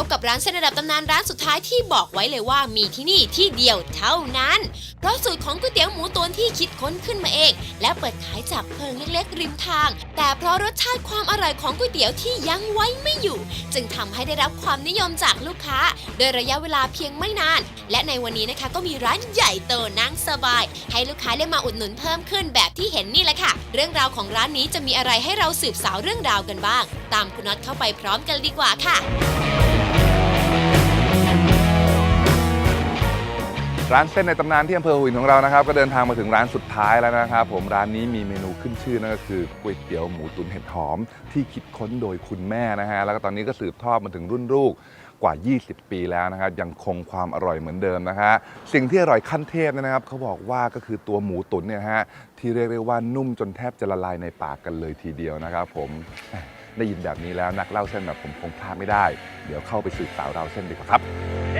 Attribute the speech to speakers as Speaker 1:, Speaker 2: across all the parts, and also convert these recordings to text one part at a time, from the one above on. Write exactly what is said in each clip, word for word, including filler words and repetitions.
Speaker 1: กับร้านเส้นระดับตำนานร้านสุดท้ายที่บอกไว้เลยว่ามีที่นี่ที่เดียวเท่านั้นเพราะสูตรของก๋วยเตี๋ยวหมูตุ๋นที่คิดค้นขึ้นมาเองและเปิดขายจากเพิงเล็กๆริมทางแต่เพราะรสชาติความอร่อยของก๋วยเตี๋ยวที่ยังไว้ไม่อยู่จึงทำให้ได้รับความนิยมจากลูกค้าโดยระยะเวลาเพียงไม่นานและในวันนี้นะคะก็มีร้านใหญ่โตนั่งสบายให้ลูกค้าได้มาอุดหนุนเพิ่มขึ้นแบบที่เห็นนี่แหละค่ะเรื่องราวของร้านนี้จะมีอะไรให้เราสืบสาวเรื่องราวกันบ้างตามคุณน็อตเข้าไปพร้อมกันดีกว่าค่ะ
Speaker 2: ร้านเส้นในตำนานที่อำเภอหัวหินของเรานะครับก็เดินทางมาถึงร้านสุดท้ายแล้วนะครับผมร้านนี้มีเมนูขึ้นชื่อนั่นก็คือก๋วยเตี๋ยวหมูตุ๋นเห็ดหอมที่คิดค้นโดยคุณแม่นะฮะแล้วก็ตอนนี้ก็สืบทอดมาถึงรุ่นลูกกว่ายี่สิบปีแล้วนะครับยังคงความอร่อยเหมือนเดิมนะฮะสิ่งที่อร่อยขั้นเทพนะครับเขาบอกว่าก็คือตัวหมูตุ๋นเนี่ยฮะที่เรียกได้ว่านุ่มจนแทบจะละลายในปากกันเลยทีเดียวนะครับผมได้ยินแบบนี้แล้วนักเล่าเส้นแบบผมคงพลาดไม่ได้เดี๋ยวเข้าไปสืบสาวราวเส้นดีกว่าครับ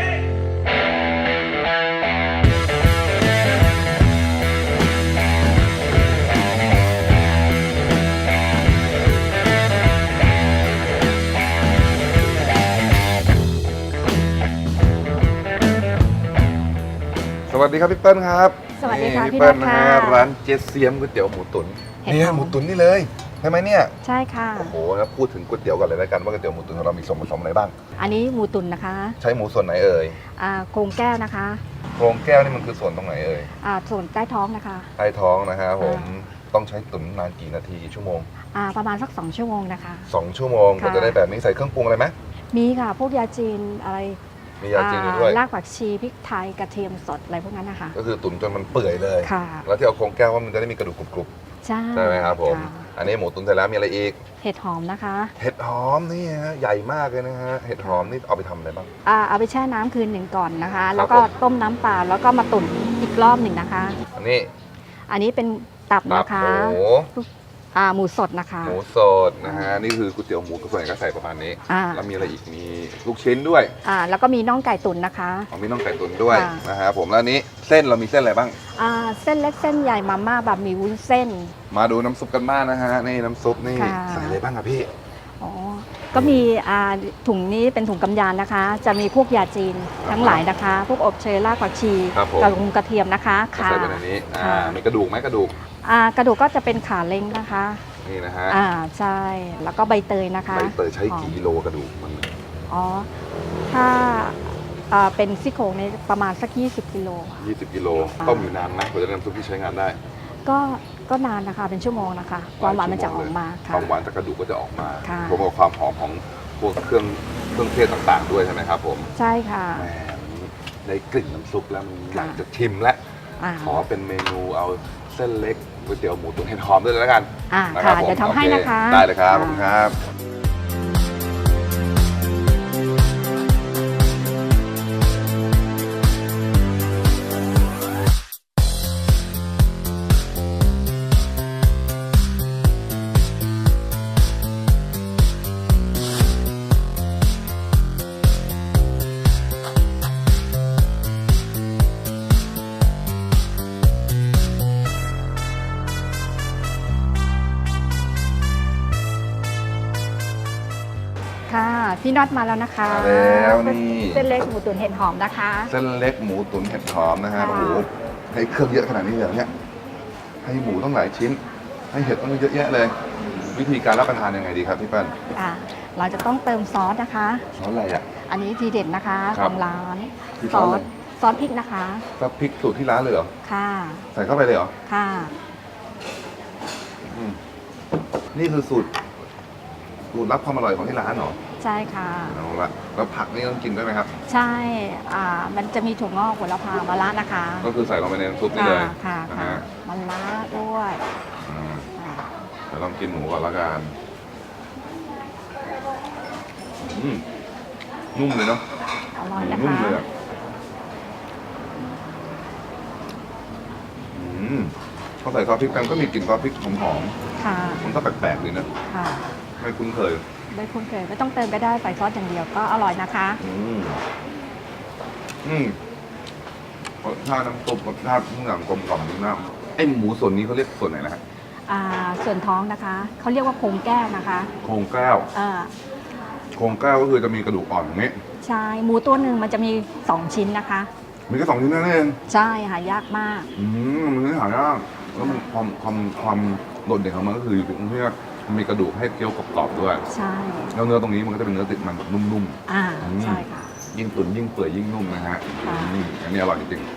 Speaker 2: สวัสดีครับพี่เปิ้ลครับ
Speaker 3: สวัสดีค่ะพี่
Speaker 2: เปิ้ล
Speaker 3: นัท
Speaker 2: นะ
Speaker 3: ค่ะ
Speaker 2: ฮะร้านเจเซียมก๋วยเตี๋ยวหมูตุ๋นเนี่ยหมูตุ๋นนี่เลยใช่ไหมเนี่ย
Speaker 3: ใช่ค่ะ
Speaker 2: โอ้โหแล้วพูดถึงก๋วยเตี๋ยวก่อนเลยแล้วกันว่าก๋วยเตี๋ยวหมูตุ๋นของเรามีส่วนผสมอะไรบ้าง
Speaker 3: อันนี้หมูตุ๋นนะคะ
Speaker 2: ใช้หมูส่วนไหนเอ่ย
Speaker 3: อ่าโครงแก้วนะคะ
Speaker 2: โครงแก้วนี่มันคือส่วนตรงไหนเอ่ย
Speaker 3: อ่าส่วนใต้ท้องนะคะ
Speaker 2: ใต้ท้องนะฮะผมต้องใช้ตุ๋นนานกี่นาทีกี่ชั่วโมง
Speaker 3: อ่าประมาณสักสองชั่วโมงนะคะ
Speaker 2: สองชั่วโมงก็จะได้แบบนี้ใส่เครื่องปรุงอะไรไหม
Speaker 3: มีค่ะพวกยาจีนอะไร
Speaker 2: มียาจีนด้วย
Speaker 3: รากผักชีพริกไทยกระเทียมสดอะไรพวกนั้นนะคะ
Speaker 2: ก็คือตุ๋นจนมันเปื่อยเลย
Speaker 3: ค่ะ
Speaker 2: แล้วที่เอาโครงแก้วว่ามันจะได้มีกระดูกกรุบ
Speaker 3: ๆใช่
Speaker 2: ใช่ไหมครับผมอันนี้หมูตุ๋นเสร็จแล้วมีอะไรอีก
Speaker 3: เห็ดหอมนะคะ
Speaker 2: เห็ดหอมนี่ฮะใหญ่มากเลยนะฮะเห็ดหอมนี่เอาไปทำอะไรบ้าง
Speaker 3: อ่าเอาไปแช่น้ำคืนหนึ่งก่อนนะคะแล้วก็ต้มน้ำเปล่าแล้วก็มาตุ๋นอีกรอบหนึ่งนะคะ
Speaker 2: อันนี้
Speaker 3: อันนี้เป็นตับนะคะ
Speaker 2: หมู
Speaker 3: อ่าหมูสดนะคะ
Speaker 2: หมูสดนะฮะนี่คือก๋วยเตี๋ยวหมูส่วนใหญ่ก็ใส่ประมาณนี้
Speaker 3: อ่า
Speaker 2: แล้วมีอะไรอีกมีลูกชิ้นด้วย
Speaker 3: อ่าแล้วก็มีน่องไก่ตุ๋นนะคะ
Speaker 2: อ๋อมีน่องไก่ตุ๋นด้วยนะฮะผมแล้วนี้เส้นเรามีเส้นอะไรบ้าง
Speaker 3: อ่าเส้นเล็กเส้นใหญ่มาม่าแบบมีวุ้นเส้น
Speaker 2: มาดูน้ำซุปกันบ้างนะฮะนี่น้ำซุปนี่ใส่อะไรบ้างครับพี่
Speaker 3: อ๋อก็มีอ่าถุงนี้เป็นถุงกำยานนะคะจะมีพวกยาจีนทั้งหลายนะคะพวกอบเชยรากผักชีกระกกระเทียมนะคะ
Speaker 2: ค่ะใส่ไปในนี้อ่ามีกระดูกไหมกระดูก
Speaker 3: อ่ากระดูกก็จะเป็นขาเล้งนะคะ
Speaker 2: นี่นะฮะ
Speaker 3: อ่าใช่แล้วก็ใบเตยนะคะ
Speaker 2: ใบเตยใช้กี่กิโลกระดูกมัน
Speaker 3: อ๋อถ้าอ่าเป็นซี่โครงในประมาณสักยี่สิบกิโล
Speaker 2: ยี่สิบกิโลต้มอยู่นานไหมกว่าจะได้น้ำซุปที่ใช้งานได้
Speaker 3: ก็ก็นานนะคะเป็นชั่วโมงนะคะความหวานมันจะออกมา
Speaker 2: ค่ะความหวานจากกระดูกก็จะออกมารวม
Speaker 3: กั
Speaker 2: บความหอมของพวกเครื่องเครื่องเทศต่างๆด้วยใช่ไหมครับผม
Speaker 3: ใช่ค่ะ
Speaker 2: แหมได้กลิ่นน้ำซุปแล้วมันอยากจะชิมแล้วขอเป็นเมนูเอาเส้นเล็กก๋วยเตี๋ยวหมูตุ๋นเห็ดหอมด้วยแล้วกัน
Speaker 3: อ่าค่ะเดี๋ยวทำให้นะคะ
Speaker 2: ได้เลยครับผมครับ
Speaker 3: ค่ะพี่น็อตมาแล้วนะคะ
Speaker 2: แล้วนี่
Speaker 3: เส้นเล็กหมูตุ๋นเห็ดหอมนะคะ
Speaker 2: เส้นเล็กหมูตุ๋นเห็ดหอมนะฮะโอ้โหให้เครื่องเยอะขนาดนี้เลยเนี่ยให้หมูต้องหลายชิ้นให้เห็ดต้องเยอะแยะเลยวิธีการรับประทานยังไงดีครับพี่เปิ้ล
Speaker 3: อ่าเราจะต้องเติมซอสนะคะ
Speaker 2: ซอสอะไรอ่ะ
Speaker 3: อันนี้ทีเด็ดนะคะของร้าน
Speaker 2: ซอส
Speaker 3: ซอสพริกนะคะ
Speaker 2: ซอสพริกสูตรที่ร้านเลยเหรอ
Speaker 3: ค่ะ
Speaker 2: ใส่เข้าไปเลยเหรอ
Speaker 3: ค่ะ
Speaker 2: นี่คือสูตรสูตรลับความอร่อยของที่ร้านเหรอ
Speaker 3: ใช่ค่ะ
Speaker 2: เอาละแล้วผักนี่ต้องกินด้วยไหมครับ
Speaker 3: ใช่อ่ามันจะมีถั่วงอกหัวละพามะระนะคะ
Speaker 2: ก็คือใส่ลงไปในน้ำซุปนี่เลย
Speaker 3: ค่ะค่ะมะระด้วย
Speaker 2: เดี๋ยวลองกินหมูก่อนละกันนุ่มเลยเนาะ
Speaker 3: อร่อยนะคะ
Speaker 2: นุ่มเลยเขาใส่ซอสพริกแป้งก็มีกลิ่นซอสพริกหอมๆค่ะมันก็แปลกๆดีนะค่ะไม่คุ้นเคย
Speaker 3: ไม่คุ้นเคยไม่ต้องเติมก็ได้ใส่ซอสอย่างเดียวก็อร่อยนะคะ
Speaker 2: อืมอืมรสชาติน้ำซุปรสชาติทุกอย่างกลมกล่อมดีมากไอหมูส่วนนี้เขาเรียกส่วนไหนนะฮะ
Speaker 3: อ่าส่วนท้องนะคะเขาเรียกว่าโครงแก้วนะคะ
Speaker 2: โครงแก้วอ่าโครงแก้วก็คือจะมีกระดูกอ่อนอย่างนี้
Speaker 3: ใช่หมูตัวหนึ่งมันจะมีสองชิ้นนะคะ
Speaker 2: มีแค่สองชิ้นนั่นเอง
Speaker 3: ใช่หายากมาก
Speaker 2: อืมมันไม่หายากแล้วมันความความความโดดเด่นของมันก็คืออยู่ตรงที่ว่ามันมีกระดูกให้เคี้ยวกรอบๆด้วย
Speaker 3: ใช่
Speaker 2: แล้วเนื้อตรงนี้มันก็จะเป็นเนื้อติดมันแบบนุ่ม
Speaker 3: อ่า
Speaker 2: อืม
Speaker 3: ใช่ค่ะ
Speaker 2: ๆยิ่งตุ๋นยิ่งเปื่อยยิ่งนุ่มนะฮะ
Speaker 3: ค่ะ
Speaker 2: อืมอันนี้อร่อยจริง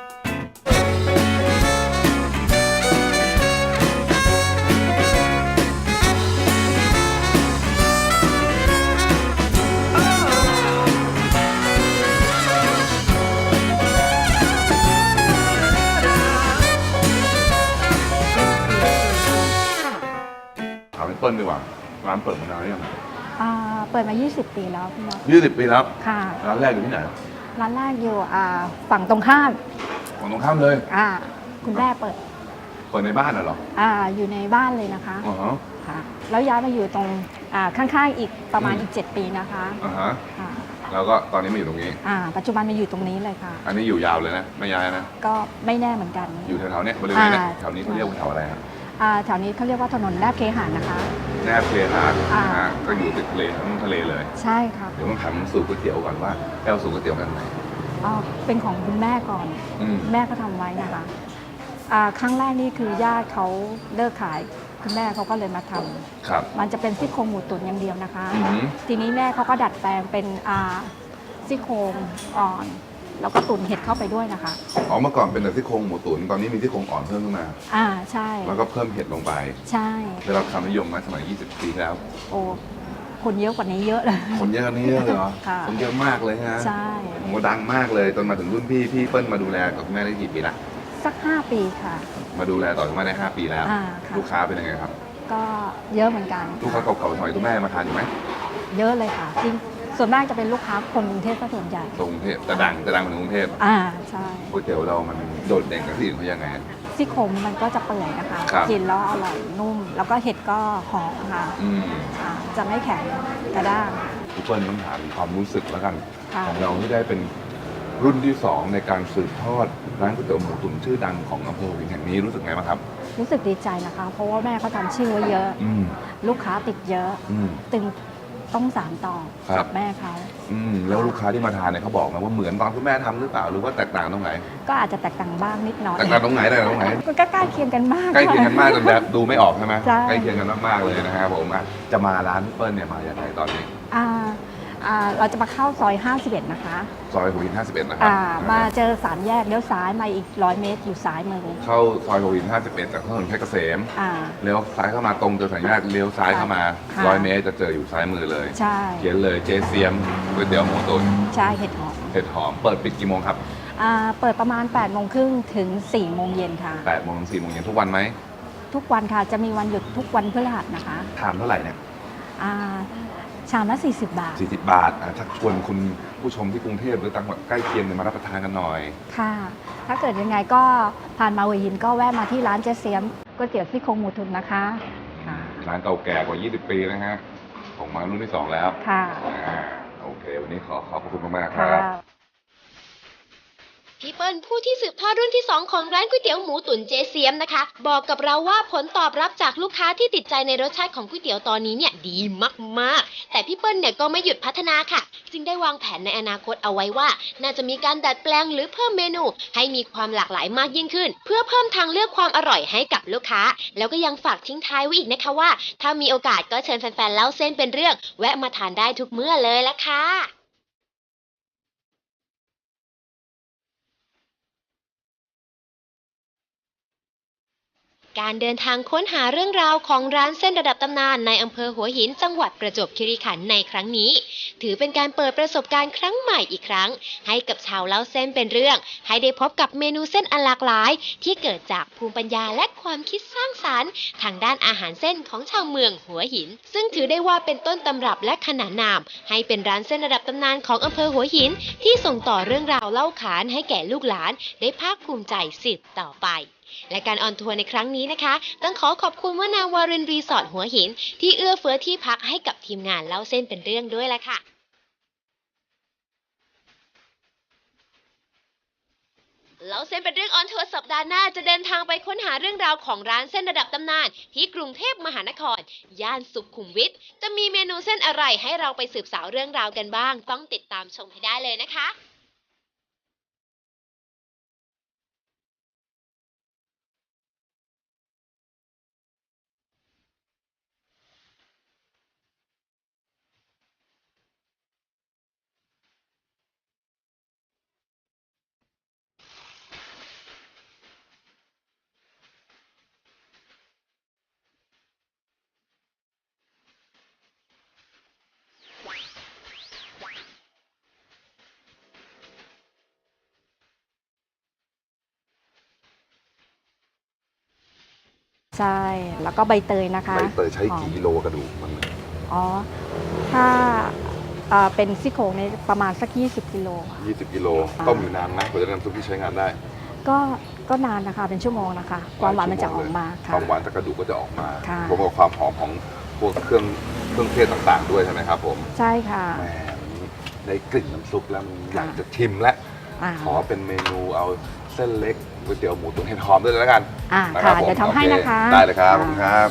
Speaker 2: ๆถามพี่เปิ้ลดีกว่าร้านเปิดมานานหรือยัง
Speaker 3: อ่าเปิดมา ยี่สิบ ปีแล้วพี่มด
Speaker 2: ยี่สิบปีแล้ว
Speaker 3: ค่ะ
Speaker 2: ร้านแรกอยู่ที่ไหน
Speaker 3: ร้านแรกอยู่อ่าฝั่งตรงข้าม
Speaker 2: ฝั่งตรงข้ามเลย
Speaker 3: อ่าคุณแม่เปิด
Speaker 2: เปิดในบ้านน่ะเหรอ
Speaker 3: อ่าอยู่ในบ้านเลยนะคะ
Speaker 2: อ๋อฮะ
Speaker 3: ค่ะแล้วย้ายมาอยู่ตรงอ่าข้างๆอีกประมาณ
Speaker 2: อืม
Speaker 3: อีก เจ็ด ปีนะคะ
Speaker 2: อ่าฮะ
Speaker 3: ค่ะ
Speaker 2: แล้วก็ตอนนี้มาอยู่ตรงนี้
Speaker 3: อ่าปัจจุบันมาอยู่ตรงนี้เลยค่ะ
Speaker 2: อันนี้อยู่ยาวเลยนะไม่ย้ายนะ
Speaker 3: ก็ไม่แน่เหมือนกัน
Speaker 2: อยู่แถวๆเนี้ยบริเวณเนี้ย
Speaker 3: อ่า
Speaker 2: แถวนี้เขาเรียกว่าแถวอะไรครับ
Speaker 3: อ่าแถวนี้เขาเรียกว่าถนนแนบเคหะนะคะ
Speaker 2: แนบเคหะ
Speaker 3: อ่า
Speaker 2: นะฮะก็อยู่ติดทะเลทั้งทะเลเลย
Speaker 3: ใช่ครับ
Speaker 2: เดี๋ยวต้องถามสูตรก๋วยเตี๋ยวก่อนว่าแก้วสูตรก๋วยเตี๋ยวกันไหน
Speaker 3: อ๋อเป็นของคุณแม่ก่อน
Speaker 2: อืม
Speaker 3: แม่ก็ทำไว้นะคะอ่าครั้งแรกนี่คือญาติเขาเลิกขายคุณแม่เขาก็เลยมาทำ
Speaker 2: ครับ
Speaker 3: มันจะเป็นซี่โครงหมูตุ๋นอย่างเดียวนะคะ
Speaker 2: อือหือ
Speaker 3: ทีนี้แม่เขาก็ดัดแปลงเป็นอ่าซี่โครงอ่อน แล้วก็ตุ๋นเห็ดเข้าไปด้วยนะคะ
Speaker 2: อ๋อเมื่อก่อนเป็นแต่ซี่โครงหมูตุ๋นตอนนี้มีซี่โครงอ่อนเพิ่มขึ้นมา
Speaker 3: อ่าใช่
Speaker 2: แล้วก็เพิ่มเห็ดลงไป
Speaker 3: ใช่
Speaker 2: ได้รับความนิยมมาสมัยยี่สิบปีที่แล้ว
Speaker 3: โอ้คนเยอะกว่านี้เยอะเลย
Speaker 2: คนเยอะกว่านี้เยอะเลยเหรอ
Speaker 3: ค่ะ
Speaker 2: คนเยอะมากเลยฮะ
Speaker 3: ใช่
Speaker 2: ผมก็ดังมากเลยจนมาถึงรุ่นพี่พี่เปิ้ลมาดูแลกับคุณแม่ได้กี่ปีละ
Speaker 3: สักห้าปีค่ะ
Speaker 2: มาดูแลต่อจากแม่ได้ห้าปีแล้ว
Speaker 3: อ่าค่ะ
Speaker 2: ลูกค้าเป็นยังไงครับ
Speaker 3: ก็เยอะเหมือนกัน
Speaker 2: ลูกค้าเก่าๆสมัยคุณแม่มาทานอยู่ไหม
Speaker 3: เยอะเลยค่ะจริงส่วนมากจะเป็นลูกค้าคนกรุงเทพซะส่วนใหญ่
Speaker 2: ตรงกรุงเทพแต่ดังแต่ดังเหมือนกรุงเทพ
Speaker 3: อ่าใช่
Speaker 2: ก๋วยเตี๋ยวเรามันโดดเด่นกับที่อื่นเขายังไง
Speaker 3: ซี่โครงมันก็จะเปื่อยนะคะ
Speaker 2: ครับ
Speaker 3: กินแล้วอร่อยนุ่ม แล้วก็เห็ดก็หอมค่ะ
Speaker 2: อืม
Speaker 3: อ่าจะไม่แข็งกระด้าง
Speaker 2: ทุกคนต้องถามความรู้สึกแล้วกัน
Speaker 3: ค่ะ
Speaker 2: ของเราที่ได้เป็นรุ่นที่สองในการสืบทอดร้านก๋วยเตี๋ยวหมูตุ๋นชื่อดังของอำเภอหัวหินแห่งนี้รู้สึกไงบ้างครับ
Speaker 3: รู้สึกดีใจนะคะ เพราะว่าแม่เขาทำชื่อไว้เยอะ
Speaker 2: อืม
Speaker 3: ลูกค้าติดเยอะ
Speaker 2: อืม
Speaker 3: ตึงต้องสานต่อ
Speaker 2: ครับ
Speaker 3: กับแม่เขา
Speaker 2: อืมแล้วลูกค้าที่มาทานเนี่ยเขาบอกไหมว่าเหมือนตอนคุณแม่ทำหรือเปล่าหรือว่าแตกต่างตรงไหน
Speaker 3: ก็อาจจะแตกต่างบ้างนิดหน่อย
Speaker 2: แตกต่างตรงไหนแตกต่างตรงไหน
Speaker 3: มันก็ใกล้เคียงกันมาก
Speaker 2: ใกล้เคียงกันมากจนแบบดูไม่ออกใช่ไหม
Speaker 3: ใช่
Speaker 2: ใกล้เคียงกันมากๆเลยนะครับผมอ่ะจะมาร้านพี่เปิ้ลเนี่ยมาอย่างไรตอนนี้
Speaker 3: อ่าอ่าเราจะมาเข้าซอยห้าสิบเอ็ดนะคะ
Speaker 2: ซอยหัวหินห้าสิบเอ็ดนะครับ
Speaker 3: อ่ามาเจอสามแยกเลี้ยวซ้ายมาอีกร้อยเมตรอยู่ซ้ายมือ
Speaker 2: เข้าซอยหัวหินห้าสิบเอ็ดจากถนนเพชรเกษม
Speaker 3: อ่า
Speaker 2: เลี้ยวซ้ายเข้ามาตรงเจอสัญญาณเลี้ยวซ้ายเข้ามา
Speaker 3: ค่ะ
Speaker 2: ร้อยเมตรจะเจออยู่ซ้ายมือเลย
Speaker 3: ใช่
Speaker 2: เขียนเลยเจเซียมก๋วยเตี๋ยวหมูตุ๋น
Speaker 3: ใช่เห็ดหอม
Speaker 2: เห็ดหอมเปิดปิดกี่โมงครับ
Speaker 3: อ่าเปิดประมาณ8ปดโมงครึ่งถึง4ี่โมงเย็นค่ะ
Speaker 2: แปดโมงถึงสี่โมงเย็นทุกวันไหม
Speaker 3: ทุกวันค่ะจะมีวันหยุดทุกวันพฤหัสนะคะ
Speaker 2: ทานเท่าไหร่เนี่ย
Speaker 3: อ่าชามละสี่สิบบาท
Speaker 2: สี่สิบบาทอ่ะชักชวนคุณผู้ชมที่กรุงเทพหรือต่างจังหวัดใกล้เคียงเนี่ยมารับประทานกันหน่อย
Speaker 3: ค่ะ ถ้าเกิดยังไงก็ผ่านมาหัวหินก็แวะมาที่ร้านเจ๊เสียมก๋วยเตี๋ยวซี่โครงหมูตุ๋นนะคะค่ะ
Speaker 2: ร้านเก่าแก่กว่ายี่สิบปีนะฮะผมมารุ่นที่สองแล้ว
Speaker 3: ค่ะ
Speaker 2: อ่าโอเค วันนี้ขอขอบพระคุณมากๆค
Speaker 3: ค่ะ
Speaker 2: รับ
Speaker 1: พี่เปิ้ลผู้ที่สืบทอดรุ่นที่สองของร้านก๋วยเตี๋ยวหมูตุ๋นเจเซียมนะคะ บอกกับเราว่าผลตอบรับจากลูกค้าที่ติดใจในรสชาติของก๋วยเตี๋ยวตอนนี้เนี่ยดีมากๆแต่พี่เปิ้ลเนี่ยก็ไม่หยุดพัฒนาค่ะ จึงได้วางแผนในอนาคตเอาไว้ว่า น่าจะมีการดัดแปลงหรือเพิ่มเมนู ให้มีความหลากหลายมากยิ่งขึ้น เพื่อเพิ่มทางเลือกความอร่อยให้กับลูกค้า แล้วก็ยังฝากทิ้งท้ายไว้อีกนะคะว่า ถ้ามีโอกาสก็เชิญแฟนๆเล่าเส้นเป็นเรื่อง แวะมาทานได้ทุกเมื่อเลยละค่ะ การเดินทางค้นหาเรื่องราวของร้านเส้นระดับตำนานในอำเภอหัวหินจังหวัดประจวบคีรีขันธ์ในครั้งนี้ ถือเป็นการเปิดประสบการณ์ครั้งใหม่อีกครั้ง ให้กับชาวเล่าเส้นเป็นเรื่อง ให้ได้พบกับเมนูเส้นอันหลากหลาย ที่เกิดจากภูมิปัญญาและความคิดสร้างสรรค์ทางด้านอาหารเส้นของชาวเมืองหัวหิน ซึ่งถือได้ว่าเป็นต้นตำรับและขนานนาม ให้เป็นร้านเส้นระดับตำนานของอำเภอหัวหิน ที่ส่งต่อเรื่องราวเล่าขานให้แก่ลูกหลาน ได้ภาคภูมิใจสืบต่อไป และการออนทัวร์ในครั้งนี้นะคะ ต้องขอขอบคุณว่านาวารินรีสอร์ทหัวหิน ที่เอื้อเฟื้อที่พักให้กับทีมงานเล่าเส้นเป็นเรื่องด้วยละค่ะเล่าเส้นเป็นเรื่องออนทัวร์สัปดาห์หน้าจะเดินทางไปค้นหาเรื่องราวของร้านเส้นระดับตำนานที่กรุงเทพมหานครย่านสุขุมวิทจะมีเมนูเส้นอะไรให้เราไปสืบสาวเรื่องราวกันบ้างต้องติดตามชมให้ได้เลยนะคะ
Speaker 3: ใช่แล้วก็ใบเตยนะคะ
Speaker 2: ใบเตยใช้
Speaker 3: หอม
Speaker 2: กี่กิโลกระดูกมัน
Speaker 3: อ๋อถ้าเอ่อเป็นซี่โครงในประมาณสักยี่สิบกิโลค่ะ
Speaker 2: ยี่สิบกิโลต้มอยู่นานนะกว่าจะได้น้ำซุปที่ใช้งานได้
Speaker 3: ก็ก็นานนะคะเป็นชั่วโมงนะคะความหวานมันจะออกมา
Speaker 2: ค
Speaker 3: ค่ะ
Speaker 2: วามหวานจากกระดูกก็จะออกมา
Speaker 3: ค่ะ
Speaker 2: รวมกับความหอมของพวกเครื่องเครื่องเทศต่างๆด้วยใช่ไหมครับผม
Speaker 3: ใช่ค่ะ
Speaker 2: แหมได้กลิ่นน้ำซุปแล้วมันอ
Speaker 3: ค่ะ
Speaker 2: ยากจะชิมแล้ว
Speaker 3: อ่า
Speaker 2: ขอเป็นเมนูเอาเส้นเล็กก๋วยเตี๋ยวหมูตุ๋นเห็ดหอมด้วยเลยแล้วกัน
Speaker 3: อ่า
Speaker 2: นะค
Speaker 3: ค่ะ
Speaker 2: รับผม
Speaker 3: เดี๋ยวทำให้
Speaker 2: โอเ
Speaker 3: นะคะ
Speaker 2: ได้เลยครับขอบคุณครับ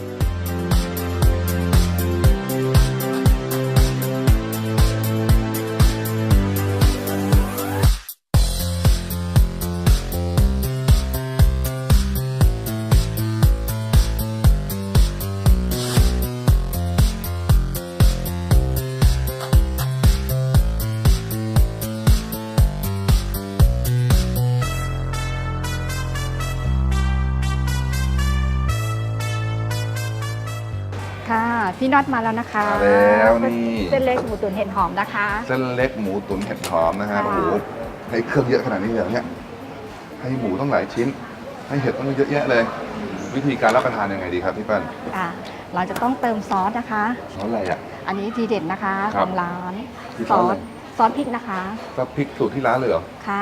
Speaker 3: ค่ะพี่น็อตมาแล้วนะคะ
Speaker 2: มาแล้วนี่
Speaker 3: เส้นเล็กหมูตุ๋นเห็ดหอมนะคะ
Speaker 2: เส้นเล็กหมูตุ๋นเห็ดหอมนะฮะ
Speaker 3: ค่ะ
Speaker 2: โอ้โหให้เครื่องเยอะขนาดนี้เลยเหรอเนี่ยให้หมูต้องหลายชิ้น ให้เห็ดต้องเยอะแยะเลย วิธีการรับประทานยังไงดีครับพี่เปิ้ล
Speaker 3: อ่าเราจะต้องเติมซอสนะคะ
Speaker 2: ซอสอะไรอ่ะ
Speaker 3: อันนี้ทีเด็ดนะคะ
Speaker 2: ครั
Speaker 3: ข
Speaker 2: บ
Speaker 3: องร้าน
Speaker 2: คือ
Speaker 3: ซ
Speaker 2: ซ
Speaker 3: อ
Speaker 2: อสอะไร
Speaker 3: สซอสพริกนะคะ
Speaker 2: ซอสพริกสูตรที่ร้านเลยเหรอ
Speaker 3: ค่ะ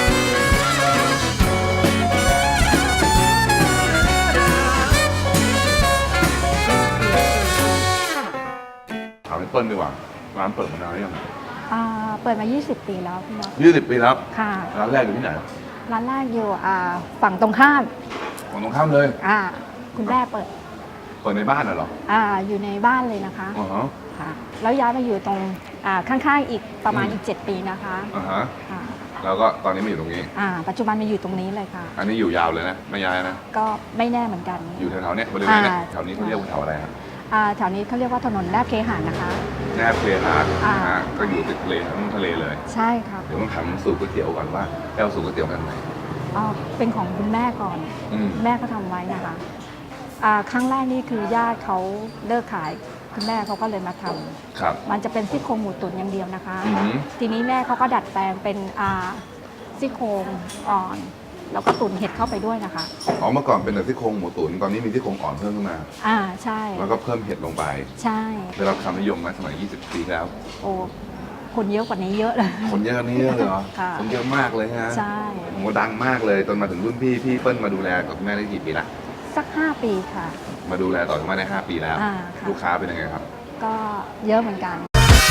Speaker 2: ถามพี่เปิ้ลดีกว่าร้านเปิดมานานหรือยัง
Speaker 3: อ่าเปิดมา ยี่สิบ ปีแล้วพี่น็อต
Speaker 2: ยี่สิบปีแล้ว
Speaker 3: ค่ะ
Speaker 2: ร้านแรกอยู่ที่ไหน
Speaker 3: ร้านแรกอยู่อ่าฝั่งตรงข้าม
Speaker 2: ฝั่งตรงข้ามเลย
Speaker 3: อ่าคุณแม่เปิด
Speaker 2: เปิดในบ้านน่ะเหรอ
Speaker 3: อ่าอยู่ในบ้านเลยนะคะ
Speaker 2: อ๋อฮะ
Speaker 3: ค่ะแล้วย้ายมาอยู่ตรงอ่าข้างๆอีกประมาณ
Speaker 2: อืม
Speaker 3: อีก เจ็ด ปีนะคะ
Speaker 2: อ่าฮะ
Speaker 3: ค่ะ
Speaker 2: แล้วก็ตอนนี้มาอยู่ตรงนี้
Speaker 3: อ่าปัจจุบันมาอยู่ตรงนี้เลยค่ะ
Speaker 2: อันนี้อยู่ยาวเลยนะไม่ย้ายนะ
Speaker 3: ก็ไม่แน่เหมือนกัน
Speaker 2: อยู่แถวๆเนี้ยบริเวณเนี้ย
Speaker 3: อ่า
Speaker 2: แถวนี้เขาเรียกว่าแถวอะไรครับ
Speaker 3: อ่าแถวนี้เขาเรียกว่าถนนแนบเคหะนะคะ
Speaker 2: แนบเพลหาด
Speaker 3: อ่า
Speaker 2: นะฮะก็อยู่ติดทะเลทั้งทะเลเลย
Speaker 3: ใช่ค่ะ
Speaker 2: เดี๋ยวต้องถามสูตรก๋วยเตี๋ยวก่อนว่าแก้วสูตรก๋วยเตี๋ยวกันไหน
Speaker 3: อ๋อเป็นของคุณแม่ก่อน
Speaker 2: อืม
Speaker 3: แม่เขาทำไว้นะคะอ่าครั้งแรกนี่คือญาติเขาเลิกขายคุณแม่เขาก็เลยมาทำ
Speaker 2: ครับ
Speaker 3: มันจะเป็นซี่โครงหมูตุ๋นอย่างเดียวนะคะ
Speaker 2: อือหือ
Speaker 3: ทีนี้แม่เขาก็ดัดแปลงเป็นอ่าซี่โครงอ่อน แล้วก็ตุ๋นเห็ดเข้าไปด้วยนะคะ
Speaker 2: อ๋อเมื่อก่อนเป็นแต่ซี่โครงหมูตุ๋นตอนนี้มีซี่โครงอ่อนเพิ่มขึ้นมา
Speaker 3: อ่าใช่
Speaker 2: แล้วก็เพิ่มเห็ดลงไป
Speaker 3: ใช่
Speaker 2: ได้รับความนิยมไหมสมัย ยี่สิบ ปีแล้ว
Speaker 3: โอ้คนเยอะกว่านี้เยอะเลย
Speaker 2: คนเยอะกว่านี้เยอะเลยเหรอ
Speaker 3: ค่ะ
Speaker 2: คนเยอะมากเลยฮะ
Speaker 3: ใช่
Speaker 2: โอ้โหดังมากเลยจนมาถึงรุ่นพี่พี่เปิ้ลมาดูแลกับคุณแม่ได้กี่ปีละ
Speaker 3: สักห้าปีค่ะ
Speaker 2: มาดูแลต่อจากแม่ได้ห้าปีแล้ว
Speaker 3: อ่าค่ะ
Speaker 2: ลูกค้าเป็นยังไงครับ
Speaker 3: ก็เยอะเหมือนกัน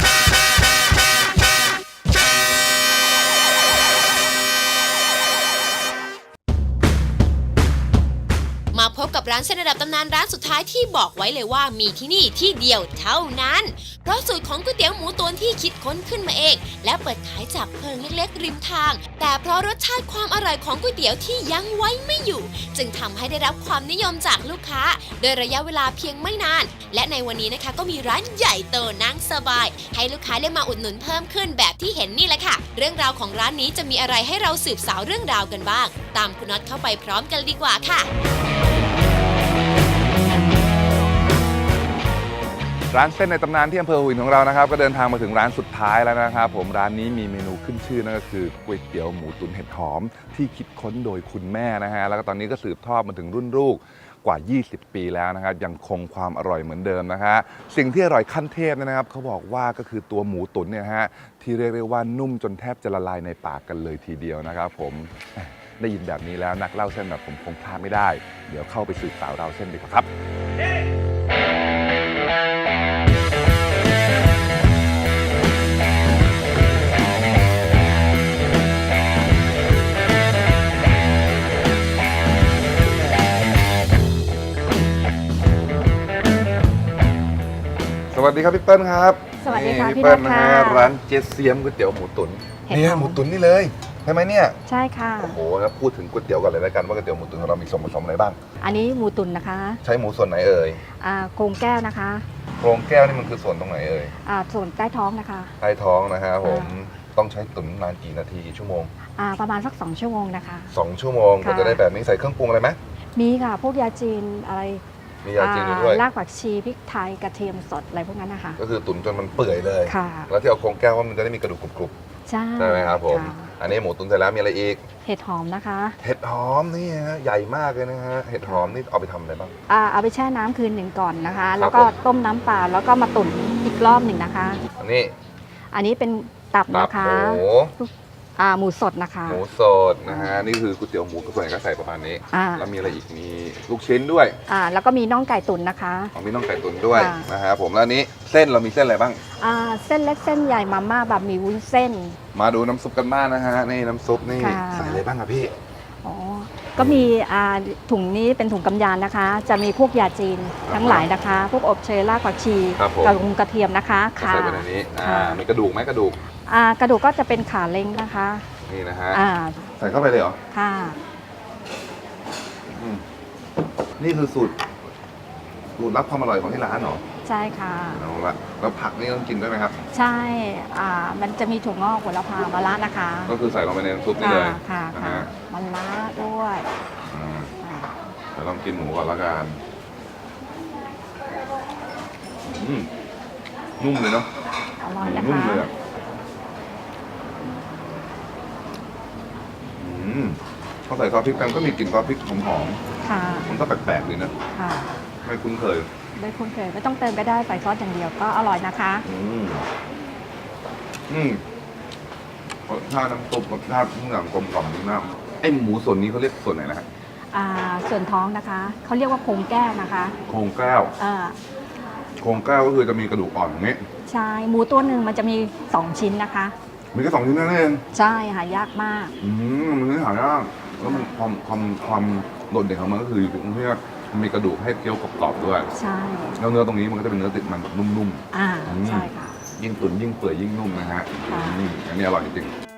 Speaker 1: มาพบกับร้านเส้นระดับตำนานร้านสุดท้ายที่บอกไว้เลยว่ามีที่นี่ที่เดียวเท่านั้น เพราะสูตรของก๋วยเตี๋ยวหมูตุ๋นที่คิดค้นขึ้นมาเอง และเปิดขายจากเพิงเล็กๆริมทาง แต่เพราะรสชาติความอร่อยของก๋วยเตี๋ยวที่ยังไว้ไม่อยู่ จึงทำให้ได้รับความนิยมจากลูกค้า โดยระยะเวลาเพียงไม่นาน และในวันนี้นะคะก็มีร้านใหญ่โตนั่งสบาย ให้ลูกค้าได้มาอุดหนุนเพิ่มขึ้นแบบที่เห็นนี่แหละค่ะ เรื่องราวของร้านนี้จะมีอะไรให้เราสืบสาวเรื่องราวกันบ้าง ตามคุณน็อตเข้าไปพร้อมกันดีกว่าค่ะ
Speaker 2: ร้านเส้นในตำนานที่อำเภอหัวหินของเรานะครับก็เดินทางมาถึงร้านสุดท้ายแล้วนะครับผมร้านนี้มีเมนูขึ้นชื่อนั่นก็คือก๋วยเตี๋ยวหมูตุ๋นเห็ดหอมที่คิดค้นโดยคุณแม่นะฮะแล้วก็ตอนนี้ก็สืบทอดมาถึงรุ่นลูกกว่า ยี่สิบ ปีแล้วนะครับยังคงความอร่อยเหมือนเดิมนะฮะสิ่งที่อร่อยขั้นเทพเนยนะครับเขาบอกว่าก็คือตัวหมูตุ๋นเนี่ยฮะที่เรียกได้ว่านุ่มจนแทบจะละลายในปากกันเลยทีเดียวนะครับผมได้ยินแบบนี้แล้วนักเล่าเส้นแบบผมคงพลาดไม่ได้เดี๋ยวเข้าไปสืบสาวราวเส้นดีกว่าครับ
Speaker 1: ร
Speaker 2: วัสดีครับพี่เปิ้ลครับ
Speaker 3: สวัสดีค่ะ
Speaker 2: นี่
Speaker 3: พี่
Speaker 2: เปิ้ล
Speaker 3: นัท
Speaker 2: นะ
Speaker 3: ค่ะ
Speaker 2: ฮะร้านเจเซียมก๋วยเตี๋ยวหมูตุ๋น
Speaker 3: เห็ด
Speaker 2: เนี่ย
Speaker 3: หอม
Speaker 2: หมูตุ๋นนี่เลยใช่ไหมเนี่ย
Speaker 3: ใช่ค่ะ
Speaker 2: โอ้โหแล้วพูดถึงก๋วยเตี๋ยวก่อนเลยแล้วกันว่าก๋วยเตี๋ยวหมูตุ๋นของเรามีส่วนผสมอะไรบ้าง
Speaker 3: อันนี้หมูตุ๋นนะคะ
Speaker 2: ใช้หมูส่วนไหนเอ่ย
Speaker 3: อ่าโครงแก้วนะคะ
Speaker 2: โครงแก้วนี่มันคือส่วนตรงไหนเอ่ย
Speaker 3: อ่าส่วนใต้ท้องนะคะ
Speaker 2: ใต้ท้องนะฮะผม
Speaker 3: อ่
Speaker 2: ต้องใช้ตุ๋นนานกี่นาทีกี่ชั่วโมง
Speaker 3: อ่าประมาณสักสองชั่วโมงนะคะ
Speaker 2: สองชั่วโมง
Speaker 3: ค่ะ
Speaker 2: ก็จะได้แบบนี้ใส่เครื่องปรุงอะไรไหม
Speaker 3: มีค่ะพวกยาจีนอะไร
Speaker 2: มียาจีนอยู่ด้วย
Speaker 3: อ่ารากผักชีพริกไทยกระเทียมสดอะไรพวกนั้นนะคะ
Speaker 2: ก็คือตุ๋นจนมันเปื่อยเลย
Speaker 3: ค่ะ
Speaker 2: แล้วที่เอาโครงแก้วว่ามันจะได้มีกระดูกกรุบ
Speaker 3: ใช่
Speaker 2: ๆใช่ไหมครับผม
Speaker 3: ค่ะ
Speaker 2: อันนี้หมูตุ๋นเสร็จแล้วมีอะไรอีก
Speaker 3: เห็ดหอมนะคะ
Speaker 2: เห็ดหอมนี่ฮะใหญ่มากเลยนะฮะเห็ดหอมนี่เอาไปทำอะไรบ้าง
Speaker 3: อ่าเอาไปแช่น้ำคืนหนึ่งก่อนนะคะ
Speaker 2: ครับ
Speaker 3: แล้วก็
Speaker 2: ผม
Speaker 3: ต้มน้ำเปล่าแล้วก็มาตุ๋นอีกรอบหนึ่งนะคะ
Speaker 2: อันนี้
Speaker 3: อันนี้เป็นตับ
Speaker 2: ตับ
Speaker 3: นะคะ
Speaker 2: หมู
Speaker 3: อ่าหมูสดนะคะ
Speaker 2: หมูสดนะฮะนี่คือก๋วยเตี๋ยวหมูกระส่วนใหญ่ก็ใส่ประมาณนี้
Speaker 3: อ่า
Speaker 2: แล้วมีอะไรอีกมีลูกชิ้นด้วย
Speaker 3: อ่าแล้วก็มีน่องไก่ตุ๋นนะคะ
Speaker 2: ของมีน้องไก่ตุ๋นด้วย
Speaker 3: ค่ะ
Speaker 2: นะฮะผมแล้วอันนี้เส้นเรามีเส้นอะไรบ้าง
Speaker 3: อ่าเส้นเล็กเส้นใหญ่มาม่าแบบหมีวุ้นเส้น
Speaker 2: มาดูน้ำซุปกันบ้างนะฮะนี่น้ำซุปนี่
Speaker 3: ค่ะ
Speaker 2: ใส่อะไรบ้างครับพี่
Speaker 3: อ๋อก็มีอ่าถุงนี้เป็นถุงกำยานนะคะ จะมีพวกยาจีนทั้งหลายนะคะ พวกอบเชยรากผักชี
Speaker 2: ครับผม
Speaker 3: กระกระเทียมนะคะ
Speaker 2: ก็
Speaker 3: ค่ะ
Speaker 2: ใส่ไปในนี้อ่า
Speaker 3: ค่ะ
Speaker 2: มีกระดูกไหมกระดูก
Speaker 3: อ่ากระดูกก็จะเป็นขาเล้งนะคะ
Speaker 2: นี่นะฮะ
Speaker 3: อ่า
Speaker 2: ใส่เข้าไปเลยเหรอ
Speaker 3: ค่ะ
Speaker 2: อืมนี่คือสูตรสูตรลับความอร่อยของที่ร้านเหรอ
Speaker 3: ใช่ค่ะ
Speaker 2: เอาละแล้วผักนี่ต้องกินด้วยไหมครับ
Speaker 3: ใช่อ่ามันจะมีถั่วงอกหัวละพามะระนะคะ
Speaker 2: ก็คือใส่ลงไปในน้ำซุปนี่เลย
Speaker 3: ค่ะ
Speaker 2: นะ
Speaker 3: ค่ะ
Speaker 2: ฮะ
Speaker 3: มะระด้วย
Speaker 2: อืม
Speaker 3: อ่า
Speaker 2: เดี๋ยวลองกินหมูก่อนละกันอืมนุ่มเลยเนาะ
Speaker 3: อร่อย
Speaker 2: หมู
Speaker 3: นะ
Speaker 2: นุ่ม
Speaker 3: คะ
Speaker 2: เลยอะอืมพอใส่ซอสพริกไปมันก็มีกลิ่นซอสพริกหอม
Speaker 3: ค่ะ
Speaker 2: ๆมันก็แปลกๆดีนะ
Speaker 3: ค่ะ
Speaker 2: ไม่คุ้นเคย
Speaker 3: ไม่คุ้นเคยไม่ต้องเติมก็ได้ใส่ซอสอย่างเดียวก็อร่อยนะคะ
Speaker 2: อืมอืมรสชาติน้ำซุปรสชาติทุกอย่างกลมกล่อมดีมากไอหมูส่วนนี้เขาเรียกส่วนไหนนะฮะ
Speaker 3: อ่าส่วนท้องนะคะเขาเรียกว่าโครงแก้วนะคะ
Speaker 2: โครงแก้ว
Speaker 3: อ่า
Speaker 2: โครงแก้วก็คือจะมีกระดูกอ่อนอย่างนี้
Speaker 3: ใช่หมูตัวหนึ่งมันจะมีสองชิ้นนะคะ
Speaker 2: มีแค่สองชิ้นนั่นเอง
Speaker 3: ใช่หายากมาก
Speaker 2: อืมมันไม่หายากแล้วมันความความความโดดเด่นของมันก็คืออยู่ตรงที่ว่ามันมีกระดูกให้เคี้ยวกรอบๆด้วย
Speaker 3: ใช่
Speaker 2: แล้วเนื้อตรงนี้มันก็จะเป็นเนื้อติดมันแบบนุ่ม
Speaker 3: อ่า
Speaker 2: อืม
Speaker 3: ใช่ค่ะ
Speaker 2: ๆยิ่งตุ๋นยิ่งเปื่อยยิ่งนุ่มนะฮะ
Speaker 3: ค่ะ
Speaker 2: อืมอันนี้อร่อยจริงๆ